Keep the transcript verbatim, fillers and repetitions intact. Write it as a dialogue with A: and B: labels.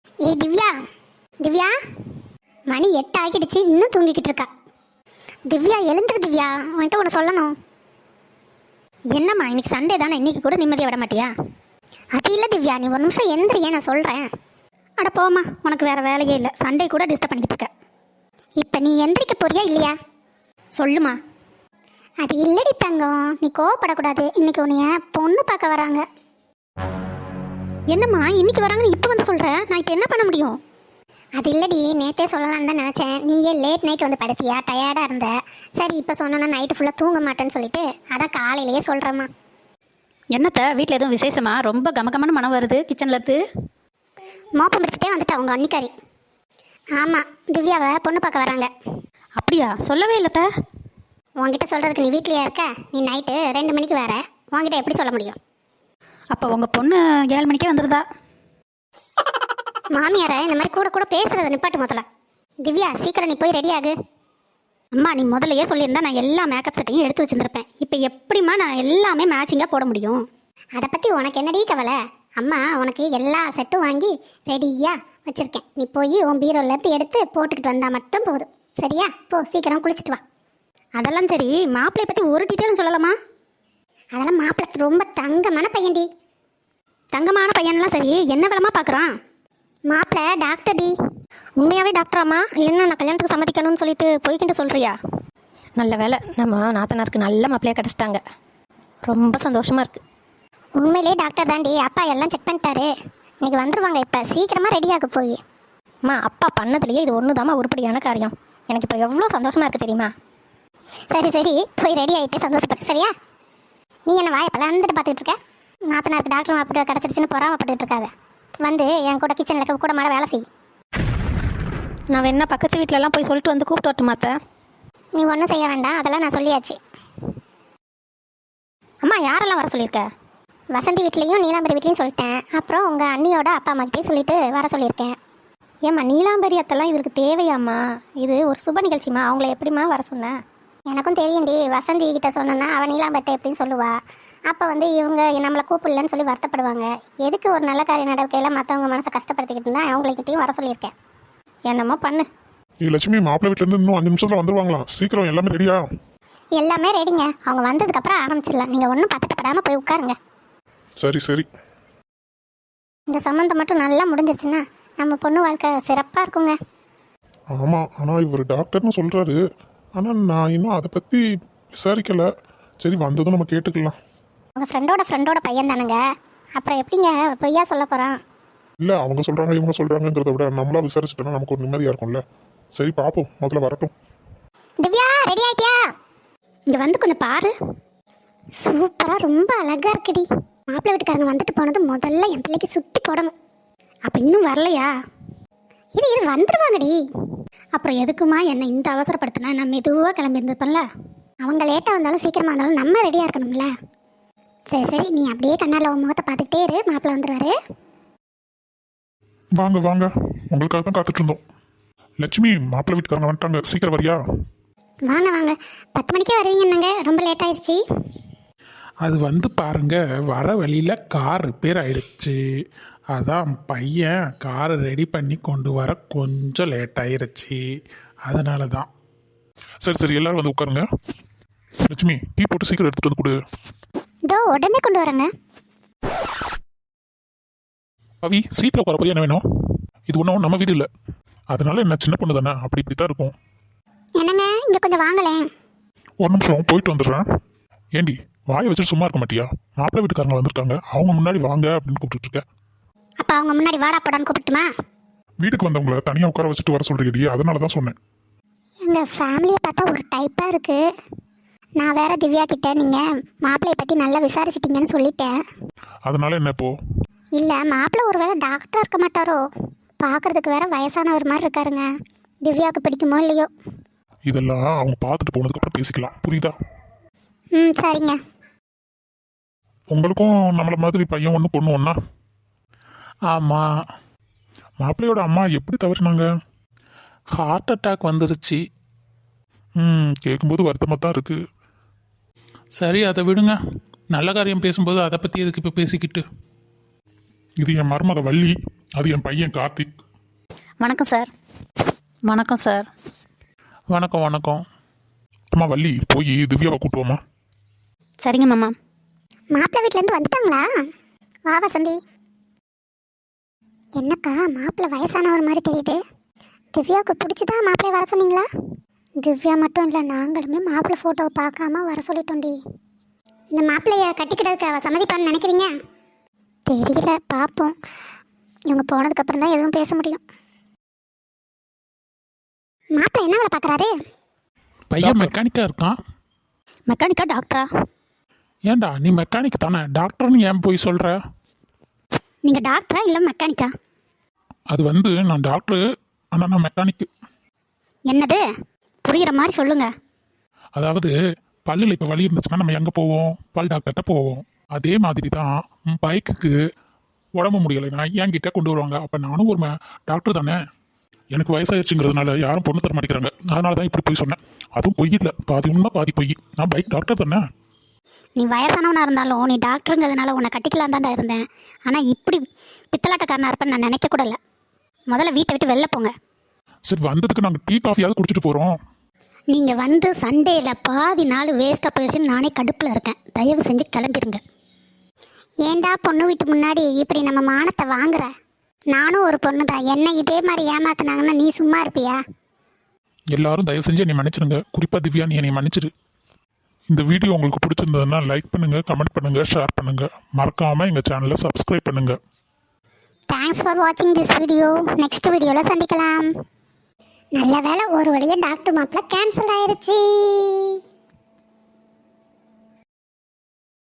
A: ஏய் திவ்யா, திவ்யா, மணி எட்டு ஆகிடுச்சு, இன்னும் தூங்கிக்கிட்டு இருக்கா. திவ்யா எழுந்துரு திவ்யா, உன்கிட்ட ஒன்று சொல்லணும். என்னம்மா இன்னைக்கு சண்டே தானே, இன்னைக்கு கூட நிம்மதியாக விட மாட்டியா? அது இல்லை திவ்யா, நீ ஒரு நிமிஷம் எழுந்துறியே, நான் சொல்கிறேன். அட போம்மா, உனக்கு வேறு வேலையே இல்லை, சண்டே கூட டிஸ்டர்ப் பண்ணிக்கிட்டு இருக்க. இப்போ நீ எந்திரிக்க போறியா இல்லையா? சொல்லுமா. அது இல்லடி தங்கம், நீ கோவப்படக்கூடாது. இன்னைக்கு உன்னைய பொண்ணு பார்க்க வராங்க. என்னம்மா இன்னைக்கு வராங்கன்னு இப்போ வந்து சொல்கிற? நான் இப்போ என்ன பண்ண முடியும்? அது இல்லடி, நேற்றே சொல்லலான்னு தான் நினச்சேன். நீயே லேட் நைட் வந்து படுத்தியா, டயர்டாக இருந்த. சரி இப்போ சொன்னோன்னா நைட்டு ஃபுல்லாக தூங்க மாட்டேன்னு சொல்லிட்டு அதான் காலையிலேயே சொல்கிறேம்மா.
B: என்னத்த வீட்டில் எதுவும் விசேஷமா? ரொம்ப கமகமான மனம் வருது கிச்சனில் இருந்து.
A: மோப்பம் பிடிச்சிட்டே வந்துட்டா உங்கள் அன்னிக்காரி. ஆமாம், திவ்யாவை பொண்ணு பார்க்க வராங்க.
B: அப்படியா? சொல்லவே இல்லைத்த.
A: உங்ககிட்ட சொல்கிறதுக்கு நீ வீட்லையே இருக்க. நீ நைட்டு ரெண்டு மணிக்கு வேற, உங்ககிட்ட எப்படி சொல்ல முடியும்?
B: அப்போ உங்கள் பொண்ணு ஏழு மணிக்கே வந்துடுதா?
A: மாமியாரை இந்த மாதிரி கூட கூட பேசுகிறத நிப்பாட்டு முதல்ல. திவ்யா சீக்கிரம் நீ போய் ரெடி ஆகு.
B: அம்மா நீ முதல்லையே சொல்லியிருந்தா நான் எல்லா மேக்கப் செட்டையும் எடுத்து வச்சுருந்துருப்பேன். இப்போ எப்படிம்மா நான் எல்லாமே மேட்சிங்காக போட முடியும்?
A: அதை பற்றி உனக்கு என்னடி கவலை? அம்மா உனக்கு எல்லா செட்டும் வாங்கி ரெடியாக வச்சுருக்கேன். நீ போய் உன் பீரோலேருந்து எடுத்து போட்டுக்கிட்டு வந்தால் மட்டும் போதும். சரியா? போ சீக்கிரம் குளிச்சுட்டு வா.
B: அதெல்லாம் சரி, மாப்பிள்ளையை பற்றி ஒரு டீட்டெயிலும் சொல்லலாமா?
A: அதெல்லாம் மாப்பிள்ளை ரொம்ப தங்கமான பையன்டி.
B: தங்கமான பையன்லாம் சரி, என்ன விலமா பார்க்குறான்?
A: மாப்பிள்ளை டாக்டர் டி.
B: உண்மையாகவே டாக்டராம்மா? என்ன நான் கல்யாணத்துக்கு சம்மதிக்கணும்னு சொல்லிட்டு போய்கிட்டு சொல்கிறியா? நல்ல வேலை, நம்ம நாத்தனாருக்கு நல்ல மாப்பிள்ளையாக கிடச்சிட்டாங்க. ரொம்ப சந்தோஷமாக இருக்குது.
A: உண்மையிலே டாக்டர் தாண்டி. அப்பா எல்லாம் செக் பண்ணிட்டாரு. இன்னைக்கு வந்துடுவாங்க. இப்போ சீக்கிரமாக ரெடியாக போய்.
B: அம்மா அப்பா பண்ணதுலேயே இது ஒன்று தாம்மா உருப்படியான காரியம். எனக்கு இப்போ எவ்வளோ சந்தோஷமாக இருக்குது தெரியுமா?
A: சரி சரி, போய் ரெடி ஆகிட்டு சந்தோஷப்படு. சரியா? நீ என்ன வாயை பலந்துட்டு பார்த்துட்டு இருக்க? நாத்தனாருக்கு டாக்டர் மாப்பிள்ளை கிடச்சிருச்சுன்னு பொறாமப்பட்டு இருக்காத. வந்து என் கூட கிச்சனில் கூட மாட வேலை செய்.
B: நான் வேணா பக்கத்து வீட்டிலலாம் போய் சொல்லிட்டு வந்து கூப்பிட்டு வரட்டு மாத்த?
A: நீ ஒன்றும் செய்ய வேண்டாம், அதெல்லாம் நான் சொல்லியாச்சு.
B: அம்மா யாரெல்லாம் வர சொல்லியிருக்க?
A: வசந்தி வீட்லேயும் நீலாம்பரி வீட்லேயும் சொல்லிட்டேன். அப்புறம் உங்கள் அண்ணியோட அப்பா அம்மாக்கிட்டையும் சொல்லிட்டு வர சொல்லியிருக்கேன்.
B: ஏம்மா நீலாம்பரி அத்தெல்லாம் இதற்கு தேவையாம்மா? இது ஒரு சுப நிகழ்ச்சிம்மா, அவங்கள எப்படிம்மா வர சொன்னேன்?
A: எனக்கும் தெரியும்டி. வசந்தி கிட்ட சொன்னேன்னா அவன் நீலாம்பரிட்ட எப்படின்னு சொல்லுவா. அப்போ வந்து இவங்க நம்மளை கூப்பிடலன்னு சொல்லி வருத்தப்படுவாங்க. எதுக்கு ஒரு நல்ல காரியம் நடக்கையில் மற்றவங்க மனசை கஷ்டப்படுத்திக்கிட்டு இருந்தால் அவங்கக்கிட்டையும் வர சொல்லியிருக்கேன்.
B: என்னம்மா பண்ணு.
C: ஏ லட்சுமி, மாப்பிள்ளை வீட்டிலேருந்து இன்னும் அஞ்சு நிமிஷத்தில் வந்துருவாங்களா? சீக்கிரம் எல்லாமே ரெடியா?
A: எல்லாமே ரெடிங்க. அவங்க வந்ததுக்கப்புறம் ஆரம்பிச்சிடலாம். நீங்கள் ஒன்றும் பதட்டப்படாமல் போய் உட்காருங்க.
C: சரி சரி.
A: இந்த சம்மந்தம் மட்டும் நல்லா முடிஞ்சிருச்சுன்னா நம்ம பொண்ணு வாழ்க்கை சிறப்பாக இருக்குங்க.
C: ஆமாம், ஆனால் இவர் டாக்டர்னு சொல்கிறாரு. ஆனால் நான் இன்னும் அதை பற்றி விசாரிக்கலை. சரி, வந்ததும் நம்ம கேட்டுக்கலாம்.
A: உங்கள் ஃப்ரெண்டோட ஃப்ரெண்டோட பையன் தானுங்க, அப்புறம் எப்படிங்க பொய்யா சொல்ல போகிறான்?
C: இல்லை, அவங்க சொல்கிறாங்க இவங்க சொல்கிறாங்கிறத விட நம்மளா விசாரிச்சுட்டோன்னா நமக்கு ஒரு நிம்மதியாக இருக்கும்ல. சரி பார்ப்போம், முதல்ல வரட்டும்.
A: திவ்யா ரெடி ஆகிட்டியா?
B: இங்கே வந்து கொஞ்சம் பாரு.
A: சூப்பராக ரொம்ப அழகாக இருக்குடி. மாப்பிள்ளை வீட்டுக்காரங்க வந்துட்டு போனது முதல்ல என் பிள்ளைக்கு சுற்றி போடணும்.
B: அப்போ இன்னும் வரலையா?
A: இது இது வந்துடுவாங்கடி.
B: அப்புறம் எதுக்குமா என்னை இந்த அவசரப்படுத்தினா? நான் மெதுவாக கிளம்பி இருந்திருப்பேன்ல.
A: அவங்க லேட்டாக வந்தாலும் சீக்கிரமாக இருந்தாலும் நம்ம ரெடியாக இருக்கணும்ல. சரி சரி, நீ அப்படியே கண்ணால் உன் முகத்தை பார்த்துக்கிட்டே இரு. மாப்பிள்ளை வந்துடுவாரு.
C: வாங்க வாங்க, உங்களுக்காக தான் காத்துட்டு இருந்தோம். லட்சுமி, மாப்பிள்ளை வீட்டுக்காரங்க வந்துட்டாங்க, சீக்கிரம் வரியா?
A: வாங்க வாங்க, பத்து மணிக்கே வருவீங்கன்னாங்க, ரொம்ப லேட் ஆயிடுச்சு.
D: அது வந்து பாருங்க, வர வழியில் கார் ரிப்பேர் ஆயிடுச்சு. அதான் பையன் காரை ரெடி பண்ணி கொண்டு வர கொஞ்சம் லேட் ஆயிருச்சு. அதனால தான்.
C: சரி சரி, எல்லாரும் வந்து உட்காருங்க. லட்சுமி, டீ போட்டு சீக்கிரம் எடுத்துகிட்டு வந்து கொடு.
A: இதோ உடனே கொண்டு வரேங்க.
C: அவி, சீட்டில் உட்கார போய் என்ன வேணும்? இது ஒன்றும் நம்ம வீடு இல்லை, அதனால என்ன சின்ன பொண்ணு தானே, அப்படி இப்படி தான் இருக்கும்.
A: என்னங்க இங்கே கொஞ்சம் வாங்கலேன்.
C: ஒரு நிமிஷம் போயிட்டு வந்துடுறேன். ஏண்டி வாயை வச்சுட்டு சும்மா இருக்க மாட்டியா? மாப்பிள்ளை வீட்டுக்காரங்க வந்திருக்காங்க, அவங்க முன்னாடி வாங்க அப்படின்னு கூப்பிட்டு இருக்க.
A: அப்போ அவங்க முன்னாடி வாடா போடான்னு கூப்பிட்டுமா?
C: வீட்டுக்கு வந்தவங்கள தனியாக உட்கார வச்சுட்டு வர சொல்றீடி, அதனால தான் சொன்னேன்.
A: எங்கள் ஃபேமிலியை பார்த்தா ஒரு டைப்பாக இருக்குது. நான் வேற திவ்யா கிட்ட நீங்கள் மாப்பிள்ளையை பற்றி நல்லா விசாரிச்சிட்டிங்கன்னு சொல்லிட்டேன்.
C: அதனால என்ன இப்போ?
A: இல்லை, மாப்பிள்ளை ஒரு வேளை டாக்டராக இருக்க மாட்டாரோ? பார்க்குறதுக்கு வேற வயசானவர் மாதிரி இருக்காருங்க. திவ்யாவுக்கு பிடிக்குமோ இல்லையோ?
C: இதெல்லாம் அவங்க பார்த்துட்டு போனதுக்கப்புறம் பேசிக்கலாம், புரியுதா?
A: ம் சரிங்க.
C: உங்களுக்கும் நம்மளை மாதிரி பையன் ஒன்று பொண்ணு ஒன்றா?
D: ஆமாம்,
C: மாப்பிள்ளையோட அம்மா எப்படி தவறினாங்க?
D: ஹார்ட் அட்டாக் வந்துருச்சு.
C: ம் கேட்கும்போது வருத்தமாக தான் இருக்குது.
D: சரி அதை விடுங்க. நல்ல காரியம் பேசும்போது அதை பற்றி எதுக்கு இப்போ பேசிக்கிட்டு?
C: இது என் மருமக வள்ளி, அது என் பையன் கார்த்திக்.
B: வணக்கம் சார். வணக்கம் சார்.
D: வணக்கம் வணக்கம்.
C: அம்மா வள்ளி, போய் திவ்யாவை கூட்டுவோமா?
B: சரிங்க மாமா.
A: மாப்பிள்ளை வீட்டிலேருந்து வந்துட்டாங்களா? வா வசந்தி. என்னக்கா மாப்பிள்ளை வயசானவர் மாதிரி தெரியுது. திவ்யாவுக்கு பிடிச்சதா மாப்பிள்ளை வர சொன்னீங்களா? திவ்யா மட்டும் இல்லை, நாங்களுமே மாப்பிள்ளை ஃபோட்டோவை பார்க்காம வர சொல்லிட்டோண்டி. இந்த மாப்பிள்ளைய கட்டிக்கிறதுக்கு அவள் சம்மதிப்பான்னு நினைக்கிறீங்க? தெரியல, பார்ப்போம். இவங்க போனதுக்கப்புறம் தான் எதுவும் பேச முடியும். மாப்பிள்ளை என்ன வேலை பார்க்குறாரு?
D: பையன் மெக்கானிக்காக இருக்கான்.
B: மெக்கானிக்கா டாக்டரா?
D: ஏன்டா நீ மெக்கானிக் தானே, டாக்டர்னு ஏன் போய் சொல்கிற?
A: நீங்கள் டாக்டரா இல்லை மெக்கானிக்கா?
D: அது வந்து நான் டாக்டரு, ஆனால் நான் மெக்கானிக்கு.
A: என்னது? புரிகிற மாதிரி சொல்லுங்க.
D: அதாவது பல்லில் இப்போ வலி இருந்துச்சுன்னா நம்ம எங்கே போவோம்? பல் டாக்டர்கிட்ட போவோம். அதே மாதிரி தான் பைக்குக்கு உடம்பு முடியலைன்னா என்கிட்ட கொண்டு வருவாங்க. அப்போ நானும் ஒரு டாக்டர் தானே. எனக்கு வயசாயிருச்சுங்கிறதுனால யாரும் பொண்ணு தர மாட்டேங்கிறாங்க. அதனால தான் இப்படி போய் சொன்னேன். அதுவும் பொய் இல்லை, பாதி உண்மை பாதி பொய். நான் பைக் டாக்டர் தானே.
A: நீ வயசானவனாக இருந்தாலும் நீ டாக்டருங்கிறதுனால உன்னை கட்டிக்கலாம் தான்டா இருந்தேன். ஆனால் இப்படி பித்தலாட்டக்காரனாக இருப்பேன்னு நான் நினைக்க கூட இல்லை. முதல்ல வீட்டை விட்டு வெளில போங்க.
D: சரி, வந்ததுக்கு நாங்கள் டீ காஃபியாவது குடிச்சிட்டு போகிறோம்.
A: நீங்கள் வந்து சண்டேயில் பாதி நாள் வேஸ்ட்டாக போயிடுச்சுன்னு நானே கடுப்பில் இருக்கேன். தயவு செஞ்சு கிளம்பிடுங்க. ஏண்டா பொண்ணு வீட்டு முன்னாடி இப்படி நம்ம மானத்தை வாங்குற? நானும் ஒரு பொண்ணு தான். என்ன இதே மாதிரி ஏமாத்தினாங்கன்னா நீ சும்மா இருப்பியா?
D: எல்லாரும் தயவு செஞ்சு என்னை மன்னிச்சிடுங்க. குறிப்பாக திவ்யா, நீ என்னை மன்னிச்சிடு. இந்த வீடியோ உங்களுக்கு பிடிச்சிருந்ததுன்னா லைக் பண்ணுங்கள், கமெண்ட் பண்ணுங்கள், ஷேர் பண்ணுங்கள். மறக்காமல் எங்கள் சேனலை சப்ஸ்கிரைப் பண்ணுங்கள்.
A: தேங்க்ஸ் ஃபார் வாட்சிங் திஸ் வீடியோ. நெக்ஸ்ட் வீடியோவில் சந்திக்கலாம். நல்ல வேளை ஒரு வழியாக டாக்டர் மாப்பிள்ள கேன்சல் ஆயிருச்சு.